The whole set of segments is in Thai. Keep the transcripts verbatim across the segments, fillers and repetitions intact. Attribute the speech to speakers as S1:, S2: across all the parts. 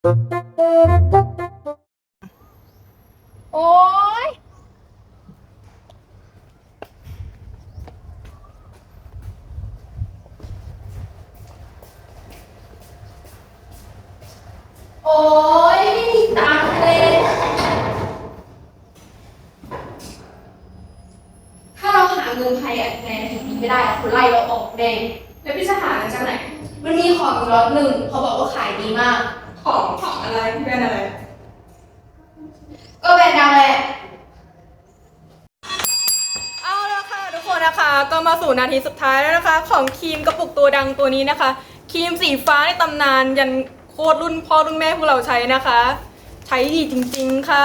S1: โอ๊ยโอ๊ยไม่มีตังค์เลยถ้าเราหาเงินภายในอาทิตย์นี้ไม่ได้คนไล่เราออกแน่แล้วพี่จะหาเงินจากไหนมันมีของอยู่ล็อตหนึ่งเขาบอกว่าขายดีมากของของอะไรแบรนด์อะไรก็แบรนด์ดังแหละเอาละค่ะทุกคนนะคะก็มาสู่นาทีสุดท้ายแล้วนะคะของครีมกระปุกตัวดังตัวนี้นะคะครีมสีฟ้าในตำนานยันโคตรรุ่นพ่อรุ่นแม่พวกเราใช้นะคะใช้ดีจริงๆค่ะ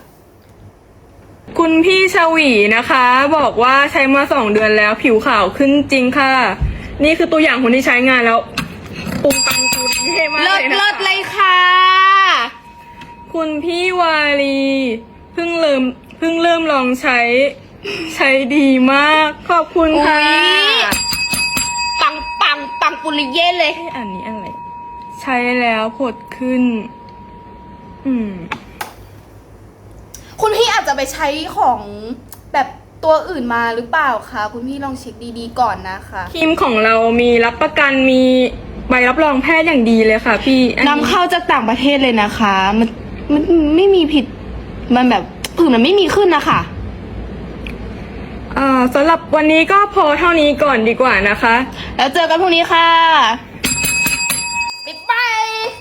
S1: คุณพี่ชวีนะคะบอกว่าใช้มาสองเดือนแล้วผิวขาวขึ้นจริงค่ะนี่คือตัวอย่างคนที่ใช้งานแล้วปุงปังคูเท่มากเลยนะคะเลิศเลยค่ะคุณพี่วาลีเพิ่งเริ่มเพิ่งเริ่มลองใช้ใช้ดีมากขอบคุณค่ะปังปังปังปุริเย่เลยอันนี้อะไรใช้แล้วผดขึ้นอืมคุณพี่อาจจะไปใช้ของแบบตัวอื่นมาหรือเปล่าคะคุณพี่ลองเช็คดีๆก่อนนะคะครีมของเรามีรับประกันมีใบรับรองแพทย์อย่างดีเลยค่ะพี่นำเข้าจากต่างประเทศเลยนะคะมันมันไม่มีผิดมันแบบผื่นมันไม่มีขึ้นนะคะอ่าสำหรับวันนี้ก็พอเท่านี้ก่อนดีกว่านะคะแล้วเจอกันพรุ่งนี้ค่ะบ๊ายบาย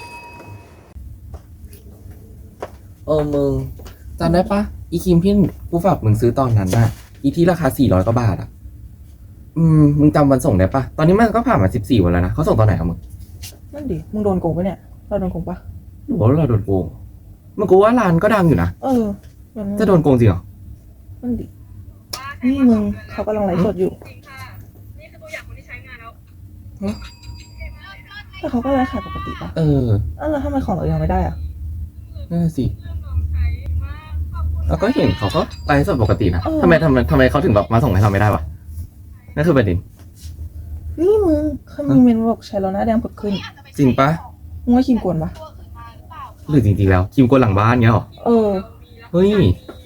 S2: เออมึงจำได้ปะอีครีมที่กูฝากมึงซื้อตอนนั้นน่ะอีที่ราคาสี่ร้อยกว่าบาทอ่ะอืมมึงจำวันส่งได้ปะตอนนี้มันก็ผ่านมาสิบสี่วันแล้วนะเขาส่งตอนไหนอะมึง
S3: นั่นดิมึงโดนโกงปะเนี่ยเราโดนโกงปะ
S2: หรือว่าเราโดนโกงมึงกูว่าร้านก็ดังอยู่นะ
S3: เออ
S2: จะโดนโกงจริงเหรอ
S3: นั่นดินี่มึงเขากำลังไลฟ์สดอยู่
S1: นี่คือตัวอย่างคนที่ใช้งานแล้ว
S3: แต่เขาก็ไลฟ์ขายปกติปะ
S2: เออ
S3: เออแล้วทำไมของเรายังไม่ได้อ่ะ
S2: นั่นสิแล้วก็เห็นเขาก็ไลฟ์สดปกตินะทำไมทำไมทำไมเขาถึงแบบมาส่งให้เราไม่ได้วะนั่นคือประเด็น
S3: นี่มึงเขามีเมนบอกใช้แล้วหน้าแดงผดขึ้น
S2: จริงปะ
S3: มึงว่าครีมกวนปะ
S2: หรือจริงๆแล้วครีมกวนหลังบ้านเงี้ยหรอ
S3: เออ
S2: เฮ้ย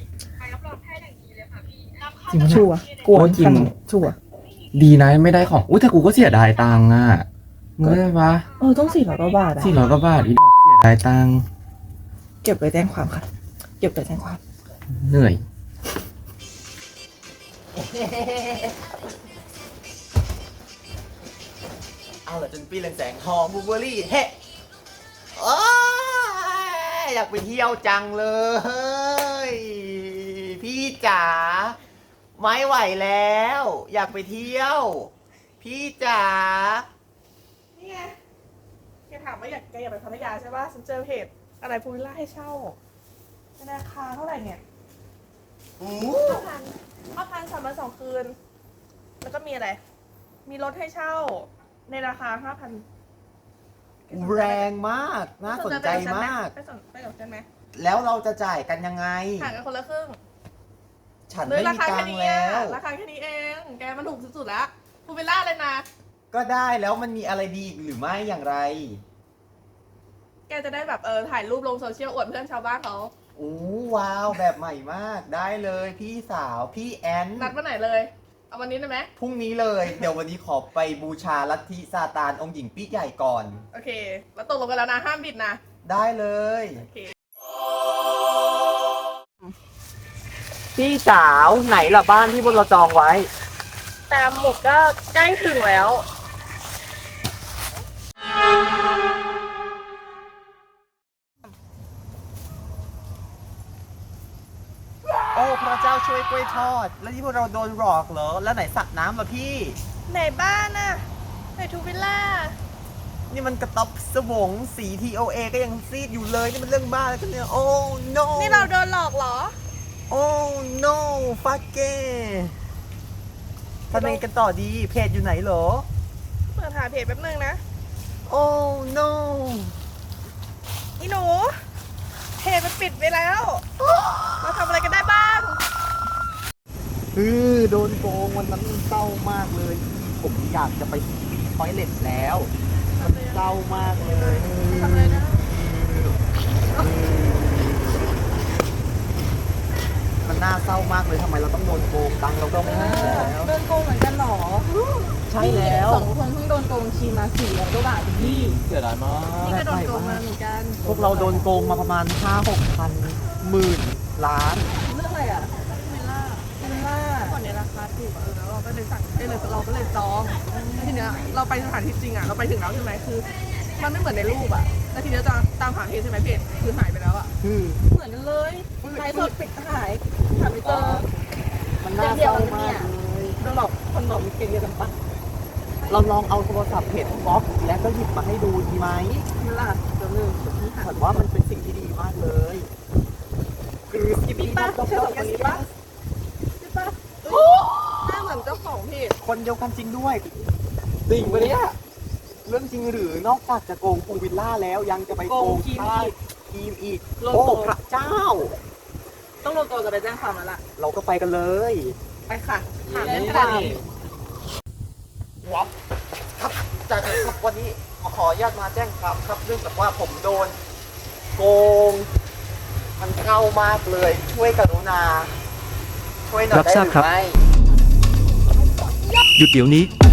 S3: จริงชัวร์กวนจริงชัวร์
S2: ดีนะไม่ได้ของอุ้ยแต่กูก็เสียดายตังค์อ่ะมึงได้ปะ
S3: เออต้องสี่ร้อยกว่าบาทอะ
S2: สี่ร้อยกว่าบาทอีดอกเสียดายตังค์
S3: เก็บไปแจ้งความค่ะเก็บไปแจ้งความ
S2: เหนื่อย
S4: เอาละจนปีเรืองแสงทองบูเบอรี่เฮ้โอ้ยอยากไปเที่ยวจังเลยพี่จ๋าไม่ไหวแล้ว อยากไปเที่ยว พี่จ๋า
S3: นี่ไงแกถามว่าอยากแกอยากไปพัทยาใช่ป่ะฉันเจอเพจอะไรพูวิลล่าให้เช่าราคาเท่าไหร่เนี่ยห้าพันห้าพันสามวันสองคืนแล้วก็มีอะไรมีรถให้เช่าในราคาห้าพัน
S4: แรงมากน่าสนใจมาก
S3: ไปสนไปกับฉันไหม
S4: แล้วเราจะจ่ายกันยังไง
S3: ห่างกันคนละครึ่ง
S4: ฉันไม่มีตังค์แล้ว
S3: ราคาแค่นี้เองแกมันถูกสุดๆแล้วพูวิลล่าเลยนะ
S4: ก็ได้แล้วมันมีอะไรดีหรือไม่อย่างไร
S3: แกจะได้แบบเออถ่ายรูปลงโซเชียลอวดเพื่อนชาวบ้านเขา
S4: โอ้ว้าวแบบใหม่มากได้เลยพี่สาวพี่แอน
S3: นัดวันไหนเลยเอาวันนี้ได้ไหม
S4: พรุ่งนี้เลยเดี๋ยววันนี้ขอไปบูชาลัทธิซาตานองค์หญิงปี้ใหญ่ก่อน
S3: โอเคแล้วตกลงกันแล้วนะห้ามบิดนะ
S4: ได้เลย
S3: โอเค
S4: พี่สาวไหนล่ะบ้านที่พวกเราจองไว้
S3: แต่หมดก็ใกล้ถึงแล้ว
S4: โอ้พระเจ้าช่วยกล้วยทอดแล้วที่พวกเราโดนหลอกเหรอแล้วไหนสระน้ำล่ะพี่
S3: ไหนบ้านน่ะไหนทูวิลล่า
S4: นี่มันกระต๊อบสวงสี ที โอ เอ ก็ยังซีดอยู่เลยนี่มันเรื่องบ้าอะไรกันเนี่ยโอ้ no
S3: นี่เราโดนหลอกเหรอ
S4: โอ้ no ฟักเก้ทำไงกันต่อดีเพจอยู่ไหนเหรอ
S3: เปิดหาเพจแป๊บนึงนะ
S4: โอ้ no
S3: อีหนูเพจมันปิดไปแล้วเราทำอะไรกันได้บ้าง
S4: เออโดนโกงวันนั้นเศร้ามากเลยผมอยากจะไปทอยเล็ตแล้วมันเศร้ามากเลย
S3: ทำอะไรนะ
S4: ำไมเราต้องโดนโกงตังค์เราก็ไม่ให้แล้ว
S3: โดนโกงเหมือนกันเหรอ
S4: ใช่แล้ว
S3: สองคนเพิ่งโดนโกงทีมาสี่ร้อยกว่าบาทพี่
S4: เสียดายมาก
S3: นี่ก็โดนโกงมาเหมือนกัน
S4: พวกเราโดนโกงมาประมาณห้าหกพันหมื่นล้าน
S3: เรื่องอะไรอ่ะเมล่าเมล่าก่อนในราคาถูกอะเออแล้วเราก็เลยสั่งเอ้ยเลยเราก็เลยจองแล้วทีเนี้ยเราไปสถานที่จริงอ่ะเราไปถึงแล้วใช่ไหมคือ มันไม่เหมือนในรูปอ่ะแล้วทีเนี้ยจะตามหาเพจใช่ไหมเพจคือหายไปแล้วอ่ะ
S4: คือ
S3: เหมือนกันเลยไลฟ์สดปิดหายหาไม่เจอ
S4: มันน่าเศร้ามากเลย
S3: โดนหลอกคนหลอกมีเกณฑ์เดียวกันปะ
S4: เราลองเอาโทรศัพท์เพจบล็อกแล้วก็หยิบมาให้ดูดีไหม
S3: เมล่าเดี๋ยวนึงเดี๋ยวพี่หา
S4: ผมว่ามันเป็นสิ่งที่ดีมากเลยคือ
S3: พี่ป้าใช่สองคนนี้ปะพี่ป้าหน้าเหมือนเจ้าของเพจ
S4: คนเดียวกันจริงด้วยจริงปะเนี่ยเรื่องจริงหรือนอกจากจะโกงภูวิลล่าแล้วยังจะไปโกงค่ายทีมอีกโอ้พระเจ้า
S3: ต้องลงตัวจะไปแจ้งความแล้วล่ะ
S4: เราก็ไปกันเลย
S3: ไปค่ะถาม
S4: เล่
S3: เล่
S4: น
S3: น
S4: กั
S3: กัน น
S4: วับครับจากนั้นครับวันนี้ขออนุญาตมาแจ้งความครับเรื่องจากว่าผมโดนโกง มันเข้ามากเลย ช่วยกรุณา ช่วยหน่อยได้หรือไม่
S5: หยุดเดี๋ยวนี้